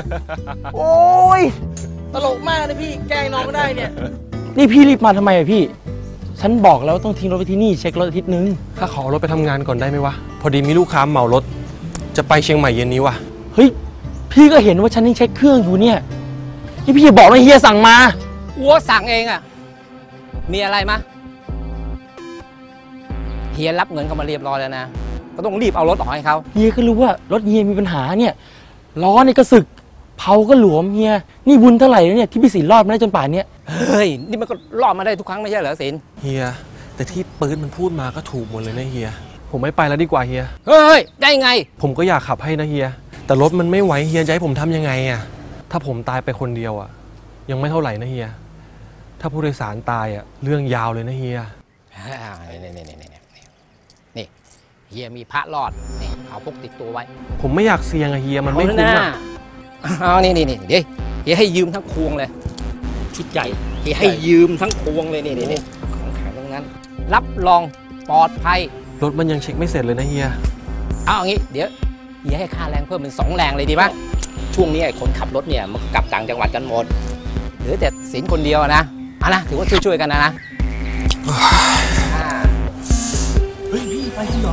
โอ้ยตลกมากนะพี่แกล้งน้องก็ได้เนี่ยนี่พี่รีบมาทำไมอะพี่ฉันบอกแล้วต้องทิ้งรถไปที่นี่เช็ครถอาทิตย์นึงถ้าขอรถไปทำงานก่อนได้ไหมวะพอดีมีลูกค้าเหมารถจะไปเชียงใหม่เย็นนี้วะเฮ้ยพี่ก็เห็นว่าฉันยังเช็คเครื่องอยู่เนี่ยนี่พี่อย่าบอกนะเฮียสั่งมาอัวสั่งเองอะมีอะไรมะเฮียรับเงินเขามาเรียบร้อยแล้วนะก็ต้องรีบเอารถออกให้เขาเฮียก็รู้ว่ารถเฮียมีปัญหาเนี่ยล้อเนี่ยก็สึกเผาก็หลวมเฮียนี่บุญเท่าไหร่แล้วเนี่ยที่พี่สินรอดมาได้จนป่านนี้เฮ้ยนี่มันก็รอดมาได้ทุกครั้งไม่ใช่เหรอสินเฮียแต่ที่ปืนมันพูดมาก็ถูกหมดเลยนะเฮียผมไม่ไปแล้วดีกว่าเฮียเฮ้ยได้ไงผมก็อยากขับให้นะเฮียแต่รถมันไม่ไหวเฮียจะให้ผมทำยังไงอะถ้าผมตายไปคนเดียวอะยังไม่เท่าไหร่นะเฮียถ้าผู้โดยสารตายอะเรื่องยาวเลยนะเฮียนี่เฮียมีพระรอดนี่เอาพกติดตัวไว้ผมไม่อยากเสี่ยงอะเฮียมันไม่คุ้มอะเอานี่เดี๋ยวเฮียให้ยืมทั้งควงเลยชุดใหญ่เฮียให้ยืมทั้งควงเลยนี่ของแข็งทั้งนั้นรับรองปลอดภัยรถมันยังเช็คไม่เสร็จเลยนะเฮียเอาอย่างงี้เดี๋ยวเฮียให้ค่าแรงเพิ่มเป็น2 แรงเลยดีป่ะช่วงนี้ไอ้คนขับรถเนี่ยมันกลับต่างจังหวัดกันหมดเหลือแต่สินคนเดียวนะนะถือว่าช่วยกันนะเฮ้ยพี่ไปจริงเหรอ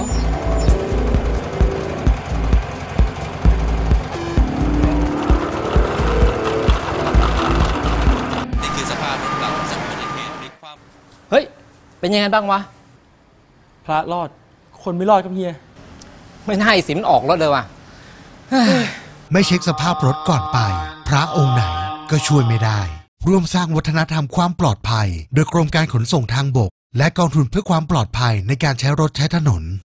นี่คือสภาพรถหลังจากอุบัติเหตุพลิกคว่ำเฮ้ยเป็นยังไงบ้างวะพระรอดคนไม่รอดครับเฮียไม่น่าไอ้สินออกรถเลยว่ะไม่เช็คสภาพรถก่อนไปพระองค์ไหนก็ช่วยไม่ได้ร่วมสร้างวัฒนธรรมความปลอดภัยโดยกรมการขนส่งทางบกและกองทุนเพื่อความปลอดภัยในการใช้รถใช้ถนน